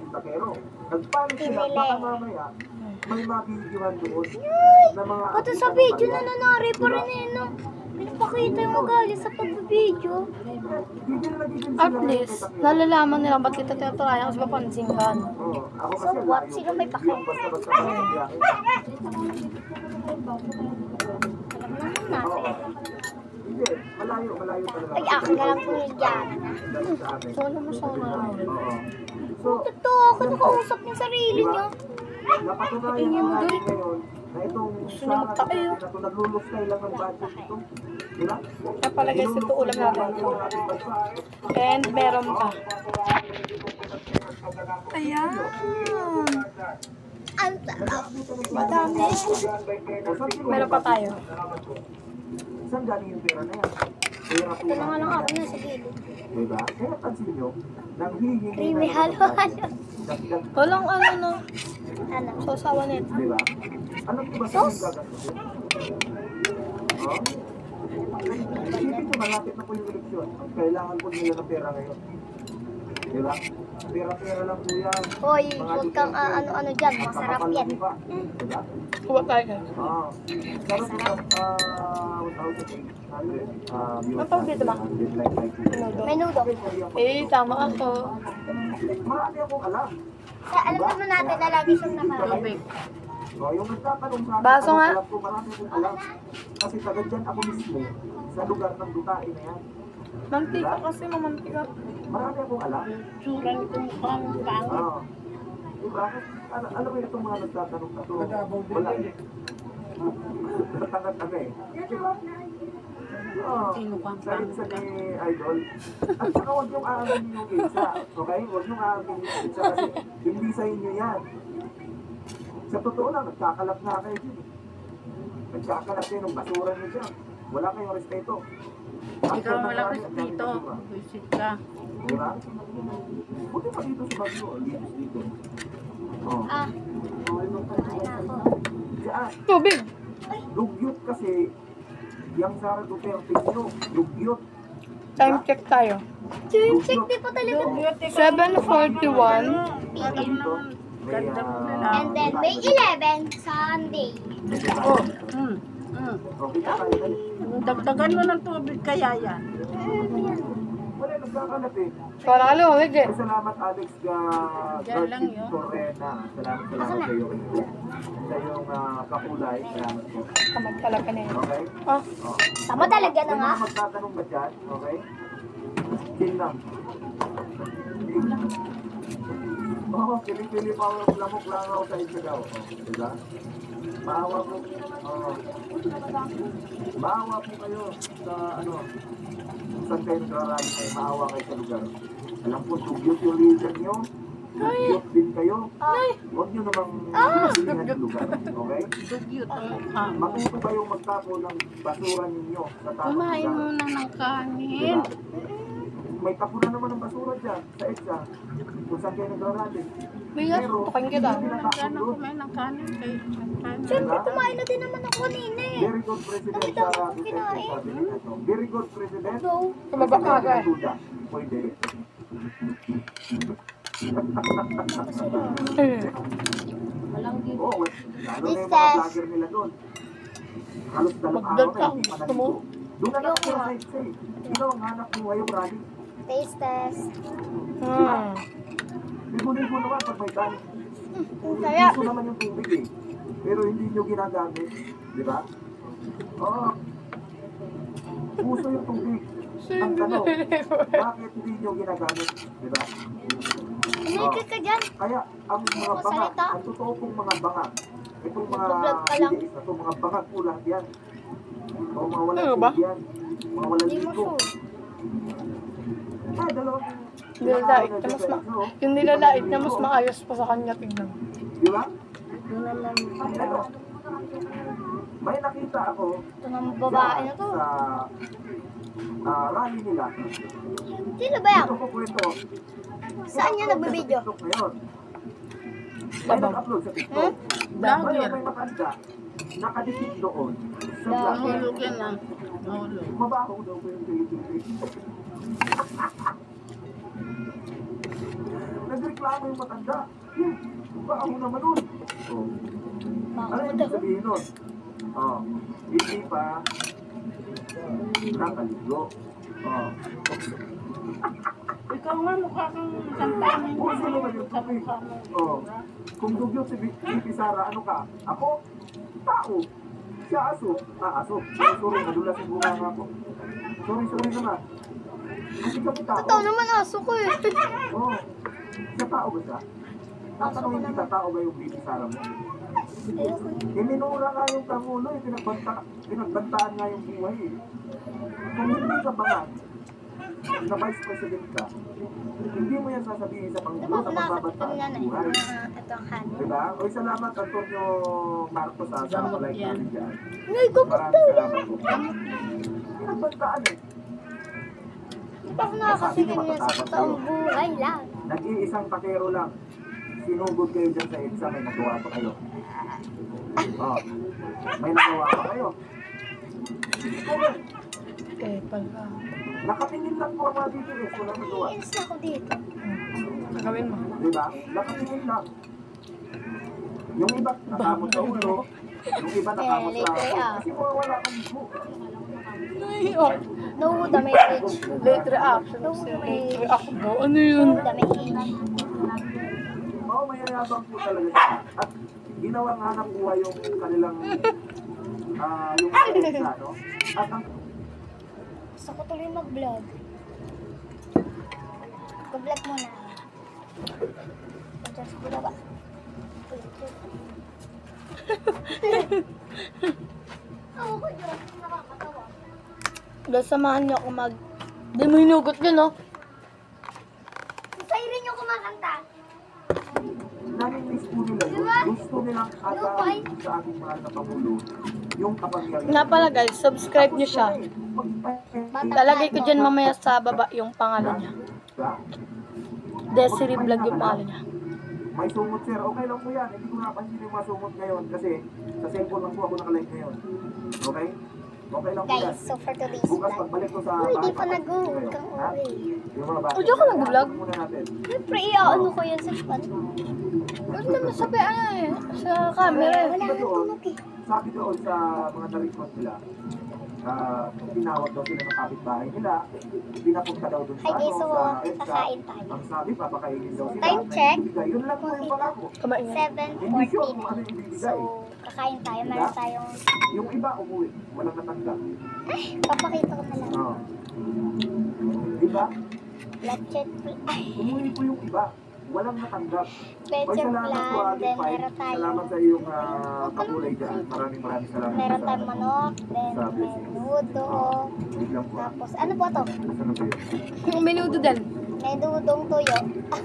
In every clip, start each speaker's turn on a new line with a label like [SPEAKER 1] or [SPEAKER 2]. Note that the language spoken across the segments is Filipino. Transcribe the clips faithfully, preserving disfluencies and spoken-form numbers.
[SPEAKER 1] takero. Nagpanik sila,
[SPEAKER 2] Pinili.
[SPEAKER 1] baka mamaya, may mabibigyan doon na mga...
[SPEAKER 2] Pati sa video na nanari pa rin eh, no? Pinapakita yung ugali sa pagbibideo.
[SPEAKER 3] At least, nalalaman nila ba't kita tinaturayan kasi papansin ka. no?
[SPEAKER 2] So what? Sino may pake? Alam naman natin.
[SPEAKER 1] Hindi, malayo, malayo talaga.
[SPEAKER 2] Ay, akin na lang kung higyan.
[SPEAKER 3] So, alam mo sa mga
[SPEAKER 1] Oo. So,
[SPEAKER 2] Totoo, ako nakausap niya sarili niya.
[SPEAKER 1] napatunayan
[SPEAKER 3] Tingin mo
[SPEAKER 1] natin
[SPEAKER 3] doon.
[SPEAKER 1] ngayon na itong
[SPEAKER 3] Gusto niya magtae, oh.
[SPEAKER 1] na ito nagluluskay lang ng budget ito. Di ba?
[SPEAKER 3] Napalagay sa ito ulam natin.
[SPEAKER 1] Yung ating bansa.
[SPEAKER 3] And meron pa. Ayan.
[SPEAKER 2] Ang sarap.
[SPEAKER 3] Madami.
[SPEAKER 1] O, saan siguro-
[SPEAKER 3] Meron pa tayo.
[SPEAKER 1] Saan galing yung pera na yan? Pera po
[SPEAKER 2] Ito na nga
[SPEAKER 1] natin
[SPEAKER 2] lang ako
[SPEAKER 1] yan.
[SPEAKER 2] na sa gilid.
[SPEAKER 1] Diba? Kaya pansin nyo, nang hihingi
[SPEAKER 2] Ay,
[SPEAKER 1] na
[SPEAKER 2] may
[SPEAKER 1] ng
[SPEAKER 2] halo-halo.
[SPEAKER 1] dagdag,
[SPEAKER 3] Walang ano no.
[SPEAKER 2] Ano?
[SPEAKER 3] Sausawa nito.
[SPEAKER 1] diba? Ano po ba sa
[SPEAKER 2] Sos?
[SPEAKER 1] yung gagastusin? Oh? Isipin nyo, malapit na po yung eleksyon. Kailangan po nila ng pera ngayon. Diba? Pera-pera lang po yan.
[SPEAKER 2] Hoy,
[SPEAKER 1] Mga
[SPEAKER 2] huwag kang
[SPEAKER 1] Duterte,
[SPEAKER 2] ah, ano-ano dyan.
[SPEAKER 1] at
[SPEAKER 2] Masarap
[SPEAKER 1] kakapal
[SPEAKER 2] yan.
[SPEAKER 1] ng iba. Diba?
[SPEAKER 3] Kuha tayo guys.
[SPEAKER 1] Ah, sarap ito, ah, one thousand eight hundred, ah, views
[SPEAKER 3] Ang pang-video ba?
[SPEAKER 1] natin, like, like,
[SPEAKER 3] Minudo.
[SPEAKER 2] Menudo.
[SPEAKER 3] Eh, tama ako.
[SPEAKER 1] Marami akong alam.
[SPEAKER 2] Sa, alam naman natin na lagi siyang nakain.
[SPEAKER 1] Oh, yung nagtatanong sa akin,
[SPEAKER 3] Baso
[SPEAKER 1] anong
[SPEAKER 3] nga.
[SPEAKER 1] alam ko, marami akong alam. Kasi taga dyan ako mismo, sa lugar ng Dutain na yan.
[SPEAKER 3] Mantika kasi mamantika.
[SPEAKER 1] Marami akong alam.
[SPEAKER 3] Tsura nitong pang pang.
[SPEAKER 1] Ah. Diba? Ano, alam mo itong mga nagtatanong na to, wala eh. Natangat ano eh. Oh, salit sa ni Idol. At saka huwag yung aaminin yung isa. Okay? Huwag yung aaminin yung isa kasi hindi sa inyo yan. Sa totoo lang, nagkakalat na kayo dyan. Nagkakalat kayo ng basura nyo dyan. Wala kayong respeto.
[SPEAKER 4] Ikaw walang respeto. Visit ka.
[SPEAKER 1] Diba? Buti pa dito sa Bagyo. Linis dito. Oh.
[SPEAKER 2] Ah,
[SPEAKER 1] Okay, nung
[SPEAKER 2] ay ako.
[SPEAKER 1] Diyan.
[SPEAKER 3] Tubig.
[SPEAKER 1] Dugyot kasi yung Sara Duterte nyo, dugyot.
[SPEAKER 3] Time check tayo.
[SPEAKER 2] Time check, di pa talaga.
[SPEAKER 3] seven forty-one.
[SPEAKER 2] P M.
[SPEAKER 4] Ganda mo na
[SPEAKER 1] ah,
[SPEAKER 4] lang.
[SPEAKER 2] And then May eleven, Sunday.
[SPEAKER 4] Oh, mm, mm.
[SPEAKER 1] Okay na tayo dali.
[SPEAKER 4] Dagdagan mo ng tubig kaya yan.
[SPEAKER 1] Wala, nagkakalat eh.
[SPEAKER 3] Para aluwag eh.
[SPEAKER 1] Ay, salamat Alex ga
[SPEAKER 4] Yan lang
[SPEAKER 1] Garcid
[SPEAKER 4] yun.
[SPEAKER 1] Torrena. Salamat, salamat sa iyo. Sa iyong ah, kakulay. Salamat po.
[SPEAKER 3] Tamad talaga na yun.
[SPEAKER 1] Okay?
[SPEAKER 3] Ah,
[SPEAKER 1] Oh.
[SPEAKER 2] Tama talaga na
[SPEAKER 1] May
[SPEAKER 2] nga.
[SPEAKER 1] mga magtatanong ba dyan? Okay? Chill lang. Chill lang. Oo, oh, pili-pili pa ako, lamok lang ako sa isa daw. Oh, diba? Maawa po. Oh. Maawa po kayo sa ano, saan kayo nagrarally kayo, maawa kayo sa lugar. Alam po, dugyot yung leader nyo. Dugyot din kayo. Huwag nyo namang pilihan yung lugar. Okay?
[SPEAKER 4] Dugyot ang mukha mo.
[SPEAKER 1] Matuto kayong magtapo ng basura ninyo sa tapos
[SPEAKER 4] Kumain
[SPEAKER 1] lugar.
[SPEAKER 4] muna ng kanin.
[SPEAKER 1] Diba? May tapo na naman ng basura dyan sa EDSA kung saan kayo nagrarally.
[SPEAKER 3] bigas. Tukain kita.
[SPEAKER 4] Sana kumain ng kanin kay kanin.
[SPEAKER 2] Siyempre, kumain na din naman ako kanina eh.
[SPEAKER 1] Very good President
[SPEAKER 2] Nakita ko
[SPEAKER 1] Sara
[SPEAKER 2] kung
[SPEAKER 1] Duterte,
[SPEAKER 2] kinain.
[SPEAKER 1] sabi nila to. Very good President.
[SPEAKER 2] No.
[SPEAKER 3] Tumaba ka agad.
[SPEAKER 1] Duda. Pwede.
[SPEAKER 3] Hmm.
[SPEAKER 1] Oo, well, lalo na yung mga
[SPEAKER 2] Recess.
[SPEAKER 1] vlogger nila doon. Halos dalawang
[SPEAKER 3] Magdal
[SPEAKER 1] araw
[SPEAKER 3] ka,
[SPEAKER 1] na hindi pa
[SPEAKER 3] gusto mo?
[SPEAKER 1] nandito. Doon na lang ako sa EDSA eh. Sino ang hanap mo ngayong rally?
[SPEAKER 2] Taste test.
[SPEAKER 3] Hmm.
[SPEAKER 1] Ligo-ligo naman pag may kanin.
[SPEAKER 2] Ang sarap.
[SPEAKER 1] Puso naman yung tubig eh. Pero hindi nyo ginagamit. Di ba? Oo. Puso yung tubig. Ang tanong, bakit hindi nyo ginagamit? Di ba?
[SPEAKER 2] Umikit ka dyan.
[SPEAKER 1] Kaya ang mga
[SPEAKER 2] Ang
[SPEAKER 1] bangag,
[SPEAKER 2] salita.
[SPEAKER 1] ang totoo pong mga bangag, itong mga
[SPEAKER 2] Nagbablog ka lang.
[SPEAKER 1] videos na to, mga bangag po lahat yan. O mga walang
[SPEAKER 3] Ano ba?
[SPEAKER 1] tubig yan. Mga walang
[SPEAKER 2] Hindi mo
[SPEAKER 1] ligo.
[SPEAKER 2] sure.
[SPEAKER 1] Ay, dalawang
[SPEAKER 3] Nilalait na mas ma... Yung nilalait na mas maayos pa sa kanya tignan.
[SPEAKER 1] Di ba?
[SPEAKER 4] Doon na lang.
[SPEAKER 1] Ito. May nakita ako
[SPEAKER 2] Ito ng babae na to.
[SPEAKER 1] sa ah, rally nila.
[SPEAKER 2] Sino ba yan?
[SPEAKER 1] Ito ko kwento.
[SPEAKER 2] Saan niya nagbibideo?
[SPEAKER 1] TikTok ngayon. May nag-upload sa TikTok.
[SPEAKER 4] Vlogger.
[SPEAKER 1] Ngayon may matanda, nakadikit doon. Sa vlogger.
[SPEAKER 4] Nahulog yan ah. Nahulog.
[SPEAKER 1] Mabaho daw ko yung Philippines. Nag-request reklamo yung matanda. Hmm, baho naman nun. Oh. Ano
[SPEAKER 2] Baka
[SPEAKER 1] yung
[SPEAKER 2] daw.
[SPEAKER 1] sabihin nun? Oh, hindi pa nakaligo. Oh.
[SPEAKER 4] Ikaw nga mukha kang santaan yung
[SPEAKER 1] Kung sino man yung
[SPEAKER 4] sa
[SPEAKER 1] tubig.
[SPEAKER 4] mukha mo.
[SPEAKER 1] Oh. Kung dugyot si B- BP Sara, ano ka? Ako? Tao. Siya aso. Ah, aso. Sorry, sorry. Nadulas yung bunga nga ako. Sorry, sorry naman. Kasi kami tao.
[SPEAKER 2] Totoo naman aso ko eh.
[SPEAKER 1] Oo. Siya tao ba siya? Tatanungin kita, tao ba yung B P Sara mo?
[SPEAKER 2] Ayoko.
[SPEAKER 1] Iminura nga yung Pangulo, eh. Pinagbanta, pinagbantaan nga yung buhay eh. Kung hindi ka ba nga, na Vice President ka, hindi mo yan sasabihin sa
[SPEAKER 2] Di
[SPEAKER 1] Pangulo
[SPEAKER 2] ba
[SPEAKER 1] na
[SPEAKER 2] nakakatid
[SPEAKER 1] magbabantaan
[SPEAKER 2] kami yan
[SPEAKER 1] yung
[SPEAKER 2] eh.
[SPEAKER 1] buhay.
[SPEAKER 2] Ah, ito ang kanin.
[SPEAKER 1] Diba? Oy, salamat Antonio Marcos ha, sa
[SPEAKER 4] Gamot
[SPEAKER 1] like
[SPEAKER 4] yan.
[SPEAKER 1] namin dyan.
[SPEAKER 2] Ngay, gupit
[SPEAKER 1] Maraming
[SPEAKER 2] daw yan.
[SPEAKER 1] salamat po. Pinagbantaan eh.
[SPEAKER 2] Di ba ako nakakatikin niya sa totoong buhay lang?
[SPEAKER 1] Nag-iisang takero lang. Sinugod kayo dyan sa EDSA, may nagawa pa kayo. Oh, may nagawa pa kayo. Okay.
[SPEAKER 3] Eh, pala.
[SPEAKER 1] Nakatingin lang po ang mga D P S, walang nagawa.
[SPEAKER 2] Iinis na ako dito.
[SPEAKER 3] Gagawin mo.
[SPEAKER 1] Diba? Nakatingin lang. Yung iba, nakamot sa ulo. Yung iba, nakamot sa
[SPEAKER 2] Eh, later, ah.
[SPEAKER 1] Kasi wala kang buho.
[SPEAKER 3] Oh,
[SPEAKER 2] No damage.
[SPEAKER 3] late reaction.
[SPEAKER 2] No
[SPEAKER 3] Late
[SPEAKER 2] damage.
[SPEAKER 3] reaction. Ano yun?
[SPEAKER 2] No damage.
[SPEAKER 1] Oo, mayayabang po talaga siya. At ginawang hanap buhay yung kanilang ah yung EDSA, no? At ang
[SPEAKER 2] Gusto ko tuloy mag-vlog. Mag-vlog muna. Diyan sa baba. Ako ko dyan. Nakakatawa.
[SPEAKER 3] Dahil samahan niyo ako mag... Di mo hinugot yun, no?
[SPEAKER 2] Sa'yo rin yung kumakanta.
[SPEAKER 1] nami-miss po nila yun. Gusto nilang agawin sa ating mahal na Pangulo yung kapangyarihan.
[SPEAKER 3] Nga pala guys, subscribe niyo siya. Lalagay ko dyan mamaya sa baba yung pangalan niya. Desiree Vlog yung pangalan niya.
[SPEAKER 1] May sumot sir, okay lang po yan. Hindi ko napansin yung mga sumot ngayon kasi sa cellphone lang po ako nakalive ngayon. Okay? Okay lang po yan.
[SPEAKER 2] Guys, so for today's
[SPEAKER 1] Bukas
[SPEAKER 2] vlog.
[SPEAKER 1] pagbalik ko sa
[SPEAKER 2] Uy, di pa
[SPEAKER 1] papasok
[SPEAKER 2] nag-go.
[SPEAKER 1] ko kayo,
[SPEAKER 2] Kang
[SPEAKER 1] ha?
[SPEAKER 2] uri.
[SPEAKER 1] Yung mga bata.
[SPEAKER 3] Oh, diyan ka nag-vlog?
[SPEAKER 1] Muna natin.
[SPEAKER 2] Siyempre, iaano ko yan sa span.
[SPEAKER 3] Ano naman sabi ano eh, sa camera eh.
[SPEAKER 2] Wala nang tunog eh.
[SPEAKER 1] Sabi doon sa mga na-record nila, ah, tinawag daw sila ng kapitbahay nila, pinapunta daw doon sa
[SPEAKER 2] Hi guys,
[SPEAKER 1] ano,
[SPEAKER 2] so
[SPEAKER 1] sa EDSA.
[SPEAKER 2] kakain tayo.
[SPEAKER 1] Ang sabi, papakainin daw sila.
[SPEAKER 2] Time check.
[SPEAKER 1] Ibibigay. Yun lang po yung pangako.
[SPEAKER 3] Kumain niya.
[SPEAKER 2] seven
[SPEAKER 1] Hindi sure
[SPEAKER 2] fourteen.
[SPEAKER 1] kung ano yung ibibigay.
[SPEAKER 2] So, kakain tayo. Meron tayong...
[SPEAKER 1] Yung iba umuwi, walang natanggap.
[SPEAKER 2] Ay, papakita ko na lang.
[SPEAKER 1] Oo. Diba?
[SPEAKER 2] Lechet Ay,
[SPEAKER 1] Umuwi po yung iba. Walang natanggap. Oy,
[SPEAKER 2] lechet
[SPEAKER 1] salamat po,
[SPEAKER 2] plan.
[SPEAKER 1] Ate
[SPEAKER 2] Then,
[SPEAKER 1] Pai.
[SPEAKER 2] meron tayong...
[SPEAKER 1] Salamat sa iyong uh, pakulay dyan. Maraming maraming salamat.
[SPEAKER 2] Meron
[SPEAKER 1] sa-
[SPEAKER 2] tayong manok. Then,
[SPEAKER 1] sa blessing.
[SPEAKER 2] menudo.
[SPEAKER 1] Wait lang po. ah.
[SPEAKER 2] Tapos, ano po to?
[SPEAKER 1] Nasaan na po yun?
[SPEAKER 3] Yung menudo din.
[SPEAKER 2] May dudong tuyo.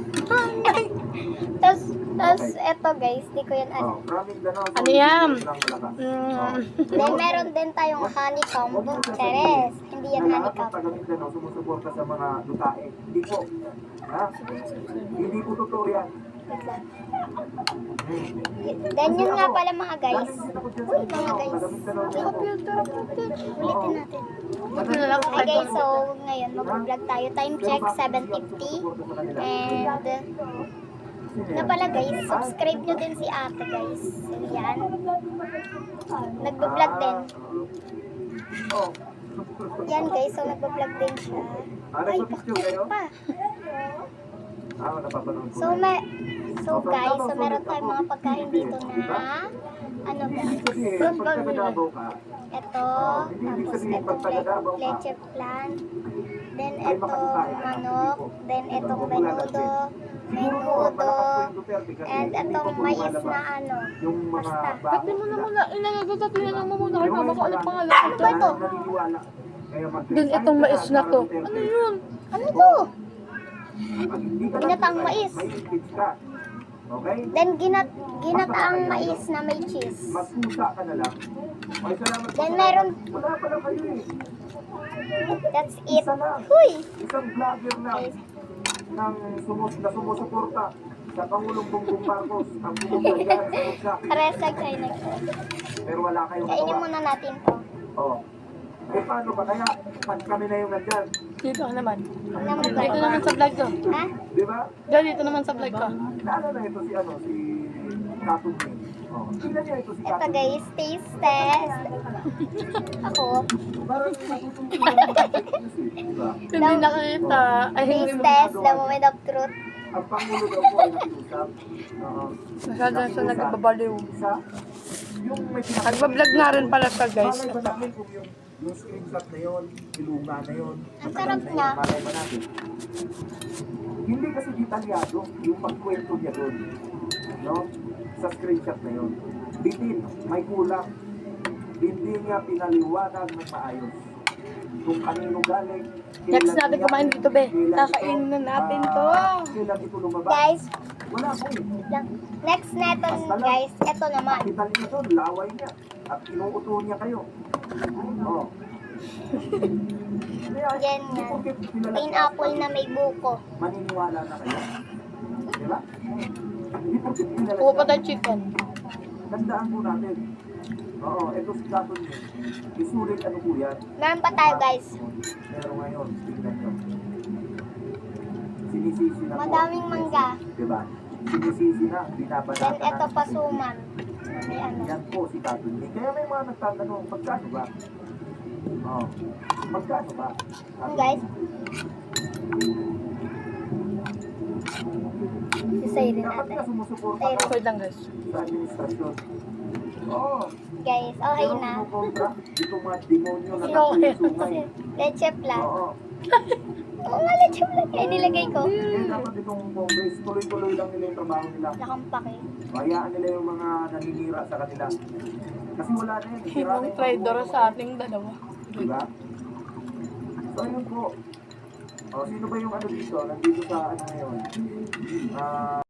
[SPEAKER 2] Tapos, tapos, eto guys, di ko yan
[SPEAKER 1] Oh,
[SPEAKER 2] ano.
[SPEAKER 1] from Mindanao.
[SPEAKER 3] Ano yan?
[SPEAKER 1] Lang malakas.
[SPEAKER 3] Mm.
[SPEAKER 1] Oh.
[SPEAKER 2] Then, meron din tayong honeycomb. Teres. Hindi yan
[SPEAKER 1] Na lahat ng
[SPEAKER 2] honeycomb.
[SPEAKER 1] taga Mindanao sumusuporta sa mga dutae. Hindi po. Ha? Hindi po totoo yan.
[SPEAKER 2] Wait lang.
[SPEAKER 1] Hmm.
[SPEAKER 2] Then, yun nga pala mga guys.
[SPEAKER 1] Galing din ako dyan sa
[SPEAKER 2] Uy, mga
[SPEAKER 1] Mindanao.
[SPEAKER 2] guys.
[SPEAKER 1] Taga Mindanao din ako.
[SPEAKER 2] Ulitin natin.
[SPEAKER 3] Buti na lang
[SPEAKER 2] Hi guys, so ngayon mag-vlog tayo. Time check, seven fifty. And, na pala guys, subscribe nyo din si ate guys. Yan. Nagbablog din.
[SPEAKER 1] Oh.
[SPEAKER 2] Yan guys, so nagbablog din siya.
[SPEAKER 1] Ah,
[SPEAKER 2] Ay,
[SPEAKER 1] nagpa-picture kayo?
[SPEAKER 2] pa.
[SPEAKER 1] Ah, napapanood ko.
[SPEAKER 2] So, may, so guys, so meron tayong mga pagkain dito na, ano
[SPEAKER 1] Hindi
[SPEAKER 2] guys,
[SPEAKER 1] ibig sabihin, pag taga-Davao ka,
[SPEAKER 2] ito,
[SPEAKER 1] Hindi ibig
[SPEAKER 2] tapos
[SPEAKER 1] sabihin,
[SPEAKER 2] itong
[SPEAKER 1] pag taga-Davao ka,
[SPEAKER 2] leche plan, then
[SPEAKER 1] ay
[SPEAKER 2] itong
[SPEAKER 1] makakain ka.
[SPEAKER 2] manok, then itong menudo,
[SPEAKER 1] Siguro po, malakas po
[SPEAKER 2] menudo,
[SPEAKER 1] yung Duterte kasi
[SPEAKER 2] and
[SPEAKER 1] hindi
[SPEAKER 2] itong
[SPEAKER 1] pa po
[SPEAKER 2] mais
[SPEAKER 1] lumalabas
[SPEAKER 2] na ano.
[SPEAKER 1] yung mga
[SPEAKER 2] Basta.
[SPEAKER 3] Pati mo na muna, inagagat na lang mo muna kay mama ko anong pangalan.
[SPEAKER 2] Ano ba to?
[SPEAKER 1] Naniniwala. Kaya mag-
[SPEAKER 3] Dun itong mais na to.
[SPEAKER 1] Duterte.
[SPEAKER 3] Ano yun?
[SPEAKER 2] Ano to?
[SPEAKER 1] Pag hindi ka
[SPEAKER 2] Ginataang
[SPEAKER 1] nag-
[SPEAKER 2] mais.
[SPEAKER 1] may impeach ka. Okay?
[SPEAKER 2] Then ginat ginataang mais na may cheese.
[SPEAKER 1] Magpusa ka na lang. Ay, salamat po.
[SPEAKER 2] Then meron-
[SPEAKER 1] Wala pa lang kayo eh.
[SPEAKER 2] That's it.
[SPEAKER 1] Isa lang.
[SPEAKER 2] Huy!
[SPEAKER 1] Isang vlogger na
[SPEAKER 2] Guys,
[SPEAKER 1] ng sumus na sumusuporta sa Pangulong Bongbong Marcos ang pumunta dyan sa Mugsa.
[SPEAKER 2] karesag ay nag
[SPEAKER 1] Pero wala kayong
[SPEAKER 2] Kainin
[SPEAKER 1] nagawa.
[SPEAKER 2] muna natin to.
[SPEAKER 1] Oh. Eh paano ba? Kaya pag kami na yung nandyan,
[SPEAKER 3] Dito ka naman.
[SPEAKER 2] Alam mo
[SPEAKER 3] Dito
[SPEAKER 2] guys.
[SPEAKER 3] naman sa vlog ko.
[SPEAKER 2] Ha?
[SPEAKER 1] Di ba?
[SPEAKER 3] Diyan, dito naman sa vlog ko.
[SPEAKER 1] Naano na ito si ano, si Katong Min. Oh, tingnan niyo ito si
[SPEAKER 2] Ito
[SPEAKER 1] Katong Min.
[SPEAKER 2] guys, taste test. Ako,
[SPEAKER 1] Parang natutunan ng fitness eh, di ba?
[SPEAKER 3] Hindi nakita. Ay, hindi
[SPEAKER 2] taste
[SPEAKER 3] mo.
[SPEAKER 2] test, the moment of truth.
[SPEAKER 1] Ang Pangulo daw po ay nakiusap. Oo.
[SPEAKER 3] Masyado na siya nagbabaliw.
[SPEAKER 1] Isa, yung may pinaka-
[SPEAKER 3] Nagbablog nga rin pala siya, guys.
[SPEAKER 1] Malay ba namin kung yung, yung screenshot na yun, ilunga na yun,
[SPEAKER 2] Ang
[SPEAKER 1] matagal
[SPEAKER 2] sarap
[SPEAKER 1] na
[SPEAKER 2] niya.
[SPEAKER 1] yun, malay ba natin? Hindi kasi detalyado yung pagkwento niya doon. No? Sa screenshot na yun. Bitin, may kulang. Hindi niya pinaliwanag ng maayos. Kung kanino galing.
[SPEAKER 3] Next
[SPEAKER 1] kailan
[SPEAKER 3] natin
[SPEAKER 1] niya-
[SPEAKER 3] kumain dito, be.
[SPEAKER 1] kailan
[SPEAKER 3] Kakainin
[SPEAKER 1] ito,
[SPEAKER 3] na natin to.
[SPEAKER 1] ah, Kailan ito lumabas?
[SPEAKER 2] Guys,
[SPEAKER 1] Wala po eh.
[SPEAKER 2] lang. Next neton guys, ito naman.
[SPEAKER 1] Kita niyo to, laway niya. At inuuto niya kayo. Oh. Kaya,
[SPEAKER 2] Yan
[SPEAKER 1] hindi
[SPEAKER 2] yan.
[SPEAKER 1] porket kilala
[SPEAKER 2] Pineapple
[SPEAKER 1] siya,
[SPEAKER 2] na may buko.
[SPEAKER 1] maniniwala na kayo. Di ba? Hindi porket kilala
[SPEAKER 3] Kuha pa
[SPEAKER 1] siya.
[SPEAKER 3] tayo chicken.
[SPEAKER 1] Tandaan po natin. Oo, ito si Kapon niya. Isulit ano po yan.
[SPEAKER 2] Meron pa tayo guys.
[SPEAKER 1] Pero ngayon, tingnan nyo. Sinisisi na po.
[SPEAKER 2] Madaming mangga.
[SPEAKER 1] Di ba? Sinisisi na, binabanata
[SPEAKER 2] Then ito
[SPEAKER 1] na.
[SPEAKER 2] pasuman. May ano.
[SPEAKER 1] Yan po si Kapon niya. Kaya may mga nagtatanong, magkano ba? Oo. Magkano ba?
[SPEAKER 2] Ano guys? Sisay rin
[SPEAKER 1] Dapat
[SPEAKER 2] natin.
[SPEAKER 1] ka sumusuporta
[SPEAKER 2] Tayo
[SPEAKER 1] ka
[SPEAKER 3] Wait lang, guys.
[SPEAKER 1] sa administrasyon. Oo.
[SPEAKER 2] Guys, okay
[SPEAKER 1] Pero
[SPEAKER 2] na.
[SPEAKER 1] kumukontra, itong mga demonyo na
[SPEAKER 3] Okay.
[SPEAKER 1] nagsusungay.
[SPEAKER 2] Leche plan.
[SPEAKER 1] Oo.
[SPEAKER 2] Oo nga, leche plan. Kaya nilagay ko.
[SPEAKER 1] Kaya dapat itong Congress, tuloy-tuloy lang nila yung trabaho nila.
[SPEAKER 2] Nakampak eh.
[SPEAKER 1] Hayaan nila yung mga naninira sa kanila. Kasi wala na yun. Sira na
[SPEAKER 3] Yung
[SPEAKER 1] yung
[SPEAKER 3] traitor
[SPEAKER 1] pagbubuo
[SPEAKER 3] sa
[SPEAKER 1] ng-
[SPEAKER 3] ating dalawa.
[SPEAKER 1] Diba? So, yun po. O, sino ba yung ano dito? Nandito sa ano ngayon? Ah...